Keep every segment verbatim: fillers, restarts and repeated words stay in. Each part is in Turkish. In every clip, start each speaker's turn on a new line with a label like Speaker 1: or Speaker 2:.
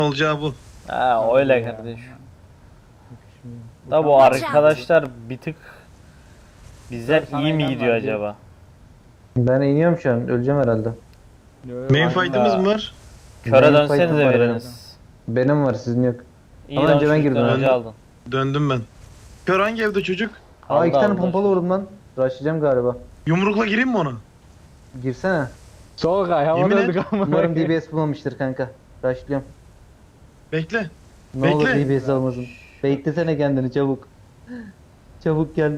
Speaker 1: olacağı bu.
Speaker 2: Ha öyle kardeş. Da bu arkadaşlar bir tık bizden
Speaker 3: Sana
Speaker 2: iyi mi
Speaker 3: inen
Speaker 2: gidiyor
Speaker 3: var, diyor.
Speaker 2: acaba?
Speaker 4: Ben iniyorum şu an. Öleceğim herhalde.
Speaker 3: Yo, yo,
Speaker 1: Main
Speaker 3: var.
Speaker 1: fight'ımız mı var?
Speaker 2: Köre
Speaker 4: Benim
Speaker 2: dönsenize
Speaker 4: fight'ım var
Speaker 2: biriniz.
Speaker 4: Benim var, sizin yok.
Speaker 2: İyi
Speaker 4: Ama
Speaker 2: lan
Speaker 4: önce ben
Speaker 2: çocuktan
Speaker 4: girdim
Speaker 2: önce
Speaker 1: abi.
Speaker 2: aldın.
Speaker 1: Döndüm ben. Kör hangi evde çocuk?
Speaker 4: Aa
Speaker 2: Aldı,
Speaker 4: iki tane
Speaker 2: aldı.
Speaker 4: pompalı vurdum lan. Rushlayacağım galiba.
Speaker 1: Yumrukla gireyim mi ona?
Speaker 4: Girsene.
Speaker 3: Sol kay havada
Speaker 1: Yemin et.
Speaker 3: öldük ama.
Speaker 4: Umarım D B S bulmamıştır kanka. Rushlıyorum.
Speaker 1: Bekle.
Speaker 4: Ne
Speaker 1: Bekle.
Speaker 4: olur D B S almasın. Beklesene kendini çabuk. Çabuk gel.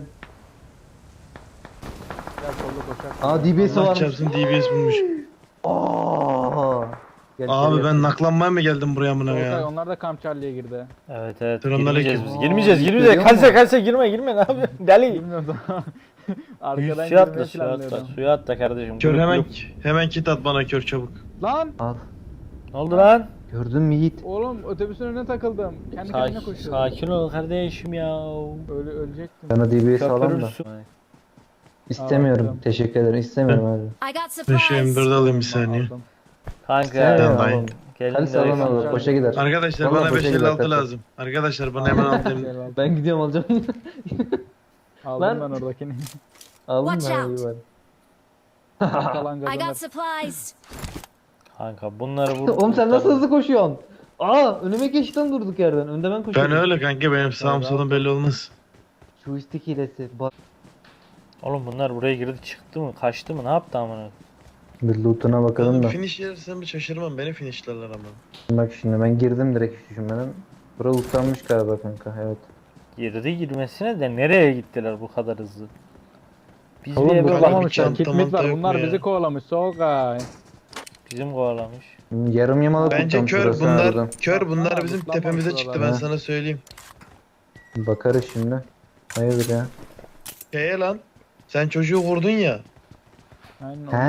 Speaker 3: Gel solda koşar.
Speaker 4: Aa D B S
Speaker 1: Allah
Speaker 4: varmış.
Speaker 1: çarpsın D B S bulmuş.
Speaker 4: Aa. Gel
Speaker 1: Abi
Speaker 4: içeri
Speaker 1: ben
Speaker 4: yap.
Speaker 1: naklanmaya mı geldim buraya amına
Speaker 3: Sol kay
Speaker 1: ya?
Speaker 3: onlar da Camp Charlie'ye girdi.
Speaker 2: Evet evet
Speaker 1: Selamünaleyküm.
Speaker 2: girmeyeceğiz biz.
Speaker 4: Aa,
Speaker 2: Girmeyeceğiz girmeyeceğiz.
Speaker 4: görüyor
Speaker 2: Kalse
Speaker 4: musun?
Speaker 2: kalse girme girme ne yapıyorsun? Deli.
Speaker 3: Bilmiyorum da. Arkadan
Speaker 2: Suya atla
Speaker 3: girmeyi
Speaker 2: suya atla.
Speaker 3: planlıyordum.
Speaker 2: Suya atla kardeşim.
Speaker 1: Kör
Speaker 2: Grup,
Speaker 1: hemen
Speaker 2: grup.
Speaker 1: hemen kit at bana kör çabuk.
Speaker 3: Lan!
Speaker 4: Al.
Speaker 2: Ne oldu lan?
Speaker 4: Gördün mü Yiğit?
Speaker 3: Oğlum otobüsün önüne takıldım. Kendi kendine
Speaker 2: Sakin,
Speaker 3: koşuyordum.
Speaker 2: sakin ol kardeşim ya.
Speaker 3: Öyle ölecektim.
Speaker 4: Bana D B S alalım da.
Speaker 2: Köpürürsün.
Speaker 4: İstemiyorum.
Speaker 3: Aldım.
Speaker 4: Teşekkür ederim. İstemiyorum abi.
Speaker 5: I got
Speaker 1: Ben şu M
Speaker 5: supplies.
Speaker 1: dördü alayım bir saniye.
Speaker 3: Aldım.
Speaker 2: Kanka.
Speaker 4: İstemiyorum
Speaker 1: Tamam,
Speaker 4: oğlum.
Speaker 2: Gelin
Speaker 4: Hadi salon
Speaker 2: direkt-
Speaker 4: alır. Boşa gider.
Speaker 1: Arkadaşlar
Speaker 4: Vallahi
Speaker 1: bana
Speaker 4: boşa
Speaker 1: beş elli
Speaker 4: gider
Speaker 1: altı
Speaker 4: kaçar.
Speaker 1: lazım. Arkadaşlar bana hemen alayım.
Speaker 4: Ben gidiyorum alacağım.
Speaker 3: Aldım
Speaker 4: Lan.
Speaker 3: ben oradakini.
Speaker 4: Aldın mı?
Speaker 5: Watch
Speaker 4: Ha,
Speaker 5: out.
Speaker 4: iyi var.
Speaker 3: Kalan
Speaker 5: I
Speaker 3: kazanır.
Speaker 5: got supplies.
Speaker 2: Kanka bunları vur.
Speaker 4: Oğlum sen nasıl hızlı koşuyorsun? Aa önüme geçtin durduk yerden. Önde ben koşuyorum.
Speaker 1: Ben öyle kanka benim sağım solum belli olmaz.
Speaker 4: Şu istik hilesi. Bak.
Speaker 2: Oğlum bunlar buraya girdi çıktı mı kaçtı mı ne yaptı amına?
Speaker 4: Bir lootuna bakalım
Speaker 1: Oğlum
Speaker 4: da.
Speaker 1: finish yersem bir şaşırmam beni finishlerler ama.
Speaker 4: Bak şimdi ben girdim direkt hiç düşünmeden. Bura lootlanmış galiba kanka, evet.
Speaker 2: Girdi girmesine de nereye gittiler bu kadar hızlı? Biz
Speaker 4: Oğlum
Speaker 2: bir eve
Speaker 4: bu
Speaker 2: bak
Speaker 3: Kovalamamışlar.
Speaker 1: çanta
Speaker 3: Kitmit
Speaker 1: manta
Speaker 3: var.
Speaker 1: yok
Speaker 3: Bunlar
Speaker 1: mu ya?
Speaker 3: bizi kovalamış. Solkay.
Speaker 2: bizim kovalamış.
Speaker 4: Yarım yamalak
Speaker 1: Bence
Speaker 4: lootlanmış
Speaker 1: kör
Speaker 4: burası
Speaker 1: bunlar.
Speaker 4: harbiden.
Speaker 1: Kör bunlar
Speaker 3: Baksana,
Speaker 1: bizim
Speaker 3: zıplama
Speaker 1: tepemize
Speaker 3: şuralar.
Speaker 1: çıktı ben
Speaker 4: Ha.
Speaker 1: sana söyleyeyim.
Speaker 4: Bakarız şimdi. Hayırdır ya.
Speaker 1: Şeye lan. Sen çocuğu vurdun ya.
Speaker 3: Aynen.
Speaker 4: He.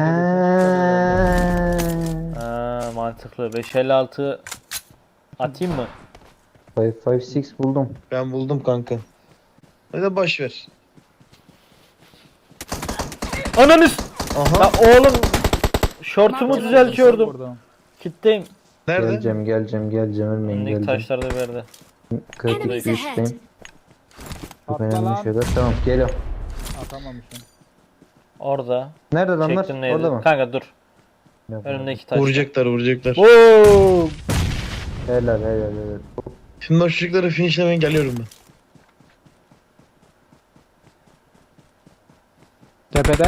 Speaker 2: Ha mantıklı. beş elli altı atayım mı?
Speaker 4: beş beş altı buldum.
Speaker 1: Ben buldum kanka. Hadi boş ver.
Speaker 2: Ananız!
Speaker 1: Aha.
Speaker 2: Ya oğlum şortumu
Speaker 5: Marked
Speaker 2: düzeltiyordum.
Speaker 3: Vurdum.
Speaker 2: Kitleyim.
Speaker 1: Nerede?
Speaker 4: Geleceğim geleceğim geleceğim ölmeyin
Speaker 2: Önündeki
Speaker 4: geleceğim.
Speaker 2: taşlar da verdi.
Speaker 4: Kritik
Speaker 5: Enemies
Speaker 4: bir
Speaker 5: ahead.
Speaker 4: üstteyim. Çok
Speaker 3: Atla
Speaker 4: önemli
Speaker 3: lan.
Speaker 4: şeyler. Tamam geliyorum.
Speaker 3: Atamamışım.
Speaker 2: Orada.
Speaker 4: Nerede adamlar?
Speaker 2: Çektim neydi?
Speaker 4: Orada mı?
Speaker 2: Kanka dur.
Speaker 4: Yok.
Speaker 2: Önümdeki taş.
Speaker 1: Vuracaklar vuracaklar.
Speaker 2: Boom!
Speaker 4: Helal helal helal.
Speaker 1: Şimdi o çocukları finishlemeye geliyorum ben.
Speaker 3: Tepede.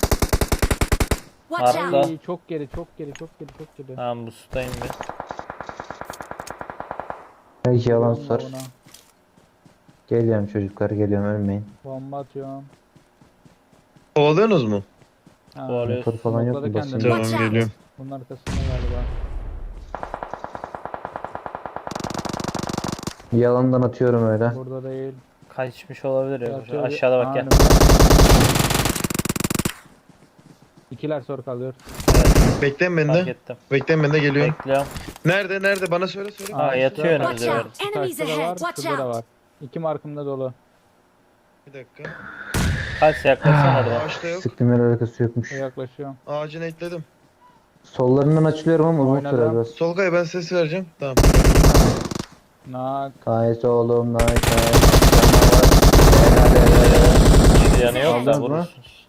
Speaker 5: Watch
Speaker 2: Arka.
Speaker 5: out.
Speaker 3: Ay, çok geri, çok geri, çok geri, çok geri.
Speaker 2: Tamam bu sudayım bir.
Speaker 4: Belki yalan
Speaker 3: Bomba
Speaker 4: sor.
Speaker 3: ona.
Speaker 4: Geliyorum çocuklar geliyorum ölmeyin.
Speaker 3: Bomba atıyorum.
Speaker 1: Kovalıyorsunuz mu?
Speaker 3: Ha,
Speaker 2: Kovalıyoruz.
Speaker 4: Motor falan yok mu
Speaker 3: smokladı
Speaker 4: basayım?
Speaker 3: kendini.
Speaker 1: Tamam
Speaker 5: Watch out.
Speaker 1: geliyorum.
Speaker 3: Bunun arkasında galiba.
Speaker 4: Yalandan atıyorum öyle.
Speaker 3: Burada değil.
Speaker 2: Kaçmış olabilir ya.
Speaker 3: Yatıyor.
Speaker 2: Aşağıda bak gel.
Speaker 3: Aa, İkiler sor kalıyor.
Speaker 1: Bekleyin beni
Speaker 2: Fark
Speaker 1: de.
Speaker 2: ettim.
Speaker 1: Bekleyin beni de geliyorum.
Speaker 2: Bekliyorum.
Speaker 1: Nerede nerede bana söyle söyle.
Speaker 2: Ha, yatıyor
Speaker 3: şurada
Speaker 2: önümüzde
Speaker 3: var.
Speaker 5: Watch out.
Speaker 2: verdi.
Speaker 5: Enemies
Speaker 3: Taşta da var,
Speaker 5: ahead. Watch
Speaker 3: şurada da
Speaker 5: out.
Speaker 3: var. İki markımda dolu.
Speaker 1: Bir dakika.
Speaker 2: Kaç yaklaşsana oradan.
Speaker 1: Ağaçta yok.
Speaker 4: Sıktım yer alakası yokmuş.
Speaker 3: Yaklaşıyorum.
Speaker 1: Ağacını ekledim.
Speaker 4: Sollarından açılıyorum ama uzun
Speaker 3: Oynadım.
Speaker 4: sürer biraz.
Speaker 1: Solkay ben ses vereceğim. Tamam.
Speaker 3: Nak.
Speaker 4: Nice oğlum nice nice. Helal helal.
Speaker 2: Bir yanı yok da
Speaker 4: Aldınız mı?
Speaker 2: vurursunuz.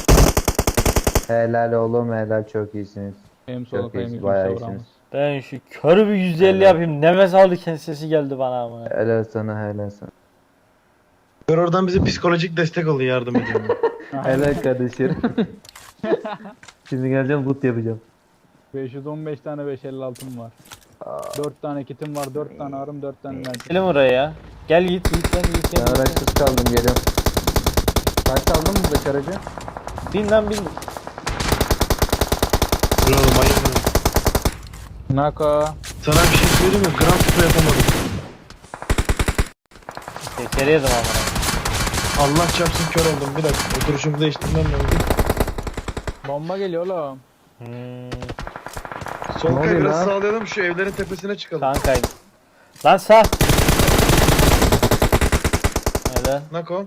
Speaker 4: Helal oğlum helal çok iyisiniz.
Speaker 3: Hem solu
Speaker 4: Çok
Speaker 3: hem
Speaker 4: iyisiniz
Speaker 3: yüzüm
Speaker 4: bayağı
Speaker 3: savramız.
Speaker 4: iyisiniz.
Speaker 2: Ben şu körü bir yüz elli yapayım. Nefes alırken sesi geldi bana ama.
Speaker 4: Helal sana helal sana.
Speaker 1: Kör oradan bize psikolojik destek oluyor yardım ediyorum.
Speaker 4: Helal kardeşim. Şimdi geleceğim loot yapacağım.
Speaker 3: beş yüz on beş tane beş elli altım var. dört tane kitim var, dört tane arım, dört tane mermi.
Speaker 2: Gelin oraya ya. Gel Yiğit Yiğit lan Yiğit
Speaker 4: Ben
Speaker 2: gel.
Speaker 4: araçsız kaldım geliyorum. Kaç aldın mı bu aracı?
Speaker 2: Bin lan bin.
Speaker 1: Dur oğlum hayır.
Speaker 3: Nako.
Speaker 1: Sana bir şey söyleyeyim mi? Gram tutu yapamadım.
Speaker 2: Tekeri yedim ama.
Speaker 1: Allah çarpsın kör oldum. Bir dakika. Oturuşumu değiştirmem lazım.
Speaker 3: Bomba geliyor oğlum.
Speaker 2: Hmm,
Speaker 1: Solkay
Speaker 4: oluyor
Speaker 1: biraz
Speaker 4: lan?
Speaker 1: sağlayalım şu evlerin tepesine çıkalım.
Speaker 2: kanka. Lan sağ. Öyle.
Speaker 1: Nako.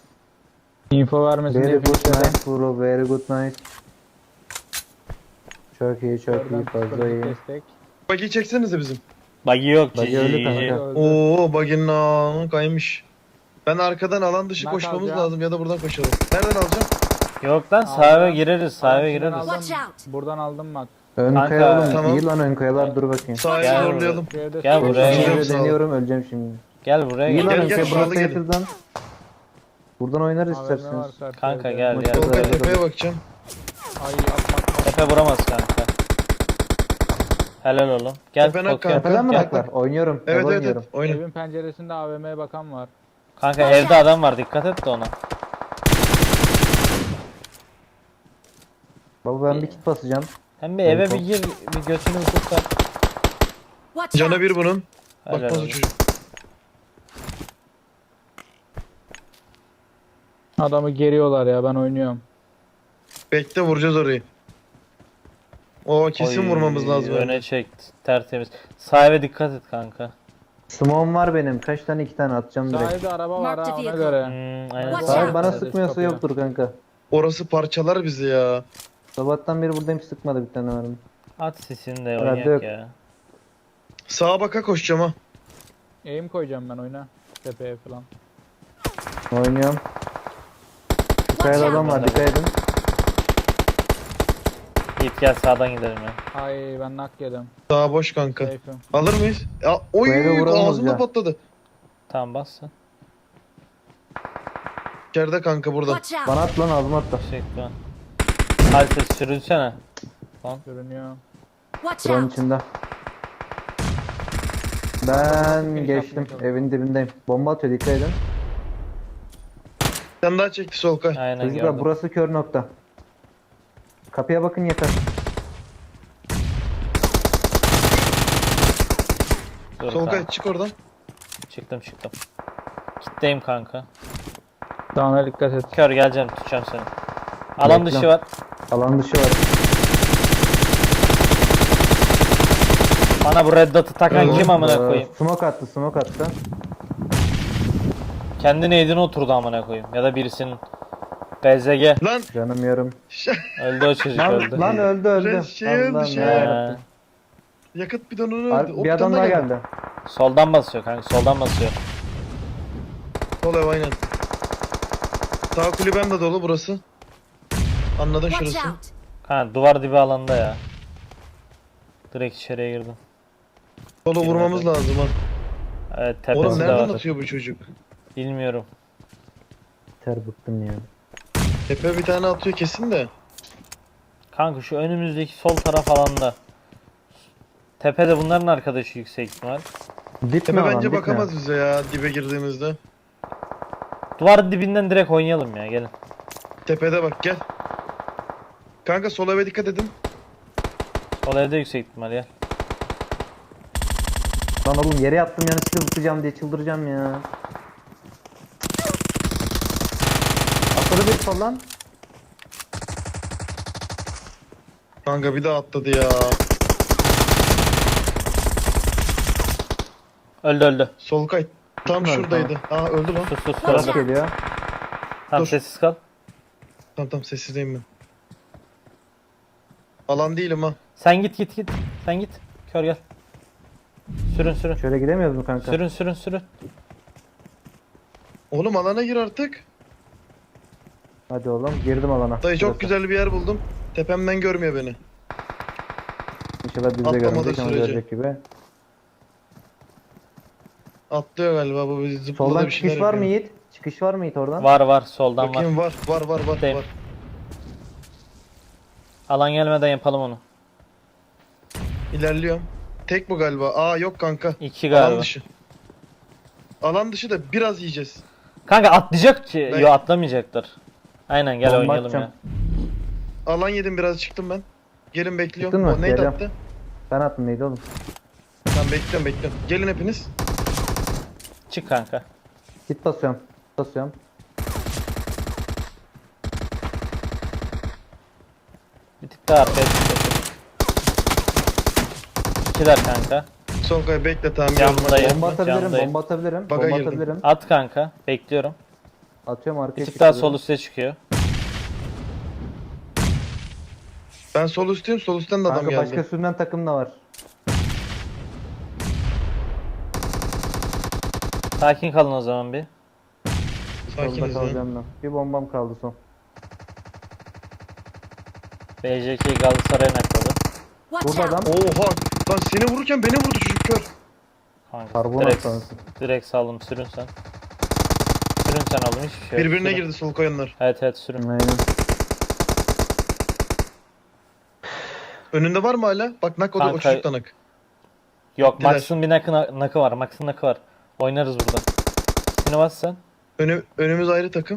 Speaker 3: Info vermesin
Speaker 4: Very
Speaker 3: diye
Speaker 4: good
Speaker 3: fişledim.
Speaker 4: nice bro very good nice. Çok iyi çok iyi
Speaker 3: Oradan
Speaker 4: fazla
Speaker 3: psikolojik
Speaker 4: iyi.
Speaker 3: destek.
Speaker 1: Bagi çeksenize bizim.
Speaker 2: Buggy yok.
Speaker 4: Buggy
Speaker 2: Cici.
Speaker 4: öldü kanka.
Speaker 3: Öldü.
Speaker 1: Oo baginin ağını kaymış. Ben arkadan alan dışı
Speaker 3: Nak
Speaker 1: koşmamız
Speaker 3: alacağım.
Speaker 1: lazım ya da buradan koşalım. Nereden alacağım?
Speaker 2: Yok lan
Speaker 3: Aldım.
Speaker 2: sahibe gireriz. Sahibe
Speaker 3: Alançıdan
Speaker 2: gireriz.
Speaker 3: aldım.
Speaker 5: Watch out.
Speaker 3: Buradan aldım bak.
Speaker 4: Ön
Speaker 2: Kanka,
Speaker 4: kaya oğlum.
Speaker 1: tamam.
Speaker 4: İyi lan ön kayalar dur bakayım.
Speaker 1: Sahayı
Speaker 2: Gel
Speaker 1: zorlayalım.
Speaker 3: Şu evde
Speaker 2: Gel
Speaker 3: su-
Speaker 2: buraya
Speaker 1: Gel.
Speaker 2: gel.
Speaker 4: Şöyle
Speaker 1: Sağ ol.
Speaker 4: deniyorum öleceğim şimdi.
Speaker 2: Gel buraya
Speaker 4: İyi
Speaker 2: gel.
Speaker 4: lan
Speaker 1: Gel,
Speaker 4: ön
Speaker 1: gel,
Speaker 4: kaya
Speaker 1: şurada
Speaker 4: burası
Speaker 1: gelin.
Speaker 4: yakından. Buradan oynarız
Speaker 3: A V M var
Speaker 4: isterseniz.
Speaker 3: karşı
Speaker 2: Kanka
Speaker 3: evde.
Speaker 2: gel
Speaker 4: Maçı
Speaker 2: gel.
Speaker 4: oldu.
Speaker 1: Solkay
Speaker 4: Güzel,
Speaker 1: tepeye
Speaker 4: güzel.
Speaker 1: bakacağım.
Speaker 3: Ay atmak.
Speaker 2: Tepe vuramaz kanka. Helal oğlum. Gel
Speaker 1: Tepen ak
Speaker 2: Tokyo.
Speaker 1: kanka.
Speaker 4: Tepeden mi
Speaker 1: Gel.
Speaker 4: naklar? Oynuyorum.
Speaker 1: Evet
Speaker 4: ev
Speaker 1: evet
Speaker 4: oynuyorum.
Speaker 1: evet. Oyna.
Speaker 3: Evin penceresinde A V M'ye bakan var.
Speaker 2: Kanka evde adam var dikkat et de ona.
Speaker 4: Baba ben bir kit basacağım.
Speaker 2: Hem bir eve
Speaker 4: Kanka.
Speaker 2: bir gir bir götünü bir kurtar.
Speaker 5: Watch
Speaker 1: Cana
Speaker 5: out.
Speaker 1: bir bunun.
Speaker 2: Helal
Speaker 1: Bakmaz o
Speaker 2: oğlum.
Speaker 1: çocuk.
Speaker 3: Adamı geriyorlar ya ben oynuyorum.
Speaker 1: Bekle vuracağız orayı. O kesin
Speaker 2: Oy,
Speaker 1: vurmamız lazım.
Speaker 2: Öne çek tertemiz. Sahibe dikkat et kanka.
Speaker 4: Smoke'um var benim. Kaç tane iki tane atacağım direkt.
Speaker 3: Sahilde araba var
Speaker 5: Marked
Speaker 3: ha ona
Speaker 5: vehicle.
Speaker 3: göre.
Speaker 2: Hmm, aynen.
Speaker 5: Watch
Speaker 4: Sahip
Speaker 5: out.
Speaker 4: bana
Speaker 3: Hadi
Speaker 4: sıkmıyorsa
Speaker 3: kapıya.
Speaker 4: yoktur kanka.
Speaker 1: Orası parçalar bizi ya.
Speaker 4: Sabahtan beri buradayım sıkmadı bir tane var mı?
Speaker 2: At sesini de
Speaker 4: Herhalde
Speaker 2: oynayak
Speaker 4: yok.
Speaker 2: ya.
Speaker 1: Sağa baka koşacağım ha.
Speaker 3: Eğim koyacağım ben oyuna. Tepeye falan.
Speaker 4: Oynuyorum. Bir kayada adam var dikkat edin.
Speaker 2: Git gel sağdan gidelim ya.
Speaker 3: Ay ben nak yedim.
Speaker 1: Sağa boş kanka.
Speaker 3: Safe'im.
Speaker 1: Alır mıyız? Ya, oy
Speaker 4: Bu eve vuramaz
Speaker 1: ağzımda
Speaker 4: ya.
Speaker 1: patladı.
Speaker 2: Tamam bas sen.
Speaker 1: İçeride kanka burada.
Speaker 5: Watch out.
Speaker 4: Bana at lan ağzıma at da.
Speaker 2: Teşekkür ederim. Hadi ses sürünsene.
Speaker 3: Görünüyor.
Speaker 5: Watch
Speaker 4: Buranın
Speaker 5: out.
Speaker 4: içinde. Ben
Speaker 3: Finish
Speaker 4: geçtim.
Speaker 3: yapmaya çalışıyorum.
Speaker 4: Evin dibindeyim. Bomba atıyor dikkat edin.
Speaker 1: Sen daha çekti Solkay.
Speaker 2: Aynen
Speaker 4: Çocuklar
Speaker 2: gördüm.
Speaker 4: burası kör nokta. Kapıya bakın yeter.
Speaker 2: Dur
Speaker 1: Solkay
Speaker 2: kanka.
Speaker 1: çık oradan.
Speaker 2: Çıktım çıktım. Kitleyim kanka.
Speaker 3: Dağına dikkat et.
Speaker 2: Kör geleceğim tutacağım seni. Alan
Speaker 4: Bekle.
Speaker 2: dışı var.
Speaker 4: Alan dışı var.
Speaker 2: Bana bu red dot'u takan
Speaker 1: Evet.
Speaker 2: kim amına
Speaker 4: Ee,
Speaker 2: koyayım?
Speaker 4: Smoke attı smoke attı.
Speaker 2: Kendi neydin oturdu amına koyayım. Ya da birisinin. B Z G.
Speaker 1: Lan.
Speaker 4: Canım yarım.
Speaker 2: Öldü o çocuk
Speaker 4: Lan,
Speaker 2: öldü.
Speaker 4: lan öldü öldü.
Speaker 1: Res- şey öldü,
Speaker 4: Allah'ım
Speaker 1: şey.
Speaker 4: yarabbim.
Speaker 2: He.
Speaker 1: Yakıt bidonunu
Speaker 4: Ar-
Speaker 1: öldü. O
Speaker 4: Bir adam daha geldi.
Speaker 2: Soldan basıyor kanka soldan basıyor.
Speaker 1: Sol ev aynen. Sağ kulübem de dolu burası. Anladın
Speaker 5: Watch
Speaker 1: şurası.
Speaker 5: out.
Speaker 2: Kanka duvar dibi alanda ya. Direkt içeriye girdim.
Speaker 1: Solu vurmamız lazım ha.
Speaker 2: Evet
Speaker 1: Oğlum
Speaker 2: tepesi de
Speaker 1: nereden
Speaker 2: var.
Speaker 1: atıyor bu çocuk?
Speaker 2: Bilmiyorum.
Speaker 4: Ter bıktım ya.
Speaker 1: Tepe bir tane atıyor kesin de.
Speaker 2: Kanka şu önümüzdeki sol taraf alanda. Tepede bunların arkadaşı yüksek ihtimal.
Speaker 4: Dip mi
Speaker 1: Tepe
Speaker 4: alan,
Speaker 1: bence
Speaker 4: dip mi?
Speaker 1: bakamaz bize ya dibe girdiğimizde.
Speaker 2: Duvar dibinden direkt oynayalım ya gelin.
Speaker 1: Tepede bak gel. Kanka sol eve dikkat edin.
Speaker 2: Sol evde yüksek ihtimal ya.
Speaker 4: Lan oğlum yere yattım yani çıkıp zıplayacağım diye çıldıracağım ya. Atladı bir falan.
Speaker 1: Kanka bir daha atladı ya.
Speaker 2: Öldü öldü.
Speaker 1: Sol kay. Tam
Speaker 4: Gitmedi,
Speaker 1: şuradaydı. Aa öldü lan.
Speaker 2: Sus sus
Speaker 5: Watch
Speaker 2: öldü.
Speaker 5: out.
Speaker 4: Geliyor.
Speaker 2: Tamam
Speaker 1: Dur.
Speaker 2: sessiz kal.
Speaker 1: Tamam tamam sessizdeyim ben. Alan değilim ha.
Speaker 2: Sen git git git. Sen git. Kör gel. Sürün sürün.
Speaker 4: Şöyle gidemiyoruz mu kanka?
Speaker 2: Sürün sürün sürün.
Speaker 1: Oğlum alana gir artık.
Speaker 4: Hadi oğlum girdim alana.
Speaker 1: Dayı çok
Speaker 4: Burası.
Speaker 1: güzel bir yer buldum. Tepemden görmüyor beni.
Speaker 4: İnşallah biz de
Speaker 1: Atlamadığı
Speaker 4: görmeyecek ama
Speaker 1: sürece.
Speaker 4: görecek gibi.
Speaker 1: Atlıyor galiba bu bizi zıpladı
Speaker 4: Soldan
Speaker 1: bir şeyler
Speaker 4: çıkış var mı
Speaker 1: yapıyor.
Speaker 4: Yiğit? Çıkış var mı Yiğit oradan?
Speaker 2: Var var soldan var.
Speaker 1: Bakayım var var var var
Speaker 2: Değil.
Speaker 1: var.
Speaker 2: Alan gelmeden yapalım onu.
Speaker 1: İlerliyorum. Tek bu galiba. Aa yok kanka.
Speaker 2: İki
Speaker 1: Alan
Speaker 2: galiba.
Speaker 1: dışı. Alan dışı da biraz yiyeceğiz.
Speaker 2: Kanka atlayacak ki.
Speaker 1: Ben-
Speaker 2: Yo atlamayacaklar. Aynen gel
Speaker 4: Bomba
Speaker 2: oynayalım
Speaker 4: atacağım.
Speaker 2: ya.
Speaker 1: Alan yedim biraz çıktım ben. Gelin bekliyorum.
Speaker 4: Çıktın mı?
Speaker 1: O nade
Speaker 4: Geliyorum.
Speaker 1: attı.
Speaker 4: Ben attım neydi oğlum?
Speaker 1: Tamam bekliyorum bekliyorum. Gelin hepiniz.
Speaker 2: Çık kanka.
Speaker 4: Git basıyorum. Basıyorum.
Speaker 2: Bir tık daha arkaya çık. İkiler kanka.
Speaker 1: Son kay bekle tamam.
Speaker 2: Camdayım.
Speaker 1: geliyorum.
Speaker 4: Bomba atabilirim,
Speaker 2: Camdayım.
Speaker 4: bomba atabilirim.
Speaker 1: Baga
Speaker 4: bomba
Speaker 1: girdim.
Speaker 4: atabilirim.
Speaker 2: At kanka. Bekliyorum.
Speaker 4: Atıyorum arkaya
Speaker 2: Bir tık daha sol
Speaker 4: çıkıyorum.
Speaker 2: üste çıkıyor.
Speaker 1: Ben sol üstteyim. Sol üstten de adam
Speaker 4: Kanka
Speaker 1: geldi.
Speaker 4: başka sürünen takım da var.
Speaker 2: Sakin kalın o zaman bir.
Speaker 4: Solda
Speaker 1: Sakiniz ya.
Speaker 4: kalacağım ben. Bir bombam kaldı son.
Speaker 2: B J K Galatasaray'a nakladı.
Speaker 5: Watch
Speaker 4: Burada
Speaker 5: out!
Speaker 4: adam.
Speaker 1: Oha. Lan seni vururken beni vurdu çocuk kör.
Speaker 2: Kanka
Speaker 4: Karbon
Speaker 2: direkt,
Speaker 4: atlaması.
Speaker 2: direkt saldım sürün sen. Sürün sen oğlum hiçbir şey yok.
Speaker 1: Birbirine
Speaker 2: Sürün.
Speaker 1: girdi sol koyanlar.
Speaker 2: Evet evet sürün.
Speaker 4: Aynen.
Speaker 1: Önünde var mı hala? Bak nak o da o
Speaker 2: Kanka-
Speaker 1: çocuk da nak.
Speaker 2: Yok
Speaker 1: Gittiler.
Speaker 2: Max'ın bir nakı, nakı var. Max'ın nakı var. Oynarız burada. Seni bas sen.
Speaker 1: Önü, önümüz ayrı takım.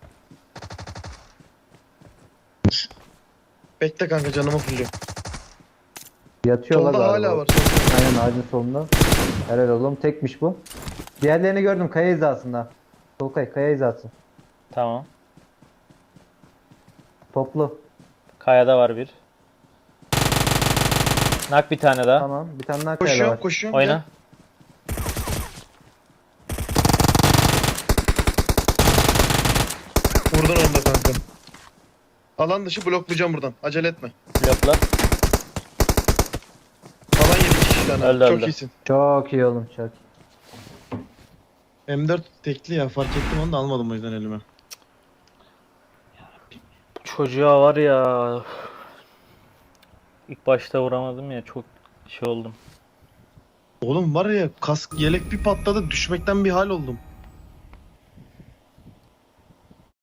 Speaker 1: Bekle kanka canımı fulluyor.
Speaker 4: Yatıyorlar
Speaker 1: Solda
Speaker 4: galiba.
Speaker 1: hala var. Solda.
Speaker 4: Aynen ağacın solunda. Helal oğlum tekmiş bu. Diğerlerini gördüm kaya hizasında. Solkay kaya hizası.
Speaker 2: Tamam.
Speaker 4: Toplu.
Speaker 2: Kayada var bir. Nak bir tane daha.
Speaker 4: Tamam. Bir tane daha kayada
Speaker 1: Koşuyorum
Speaker 4: var.
Speaker 1: koşuyorum.
Speaker 2: Oyna.
Speaker 1: Gel. Vurdun onu da kanka. Alan dışı bloklayacağım buradan. Acele etme.
Speaker 2: Blokla.
Speaker 1: Alan yedi kişi tane.
Speaker 2: Öldü,
Speaker 1: Çok
Speaker 2: öldü.
Speaker 1: iyisin.
Speaker 4: Çok iyi oğlum çok.
Speaker 1: M dört tekli ya fark ettim onu da almadım o yüzden elime.
Speaker 2: Çocuğa var ya. İlk başta vuramadım ya çok şey oldum.
Speaker 1: Oğlum var ya kask yelek bir patladı düşmekten bir hal oldum.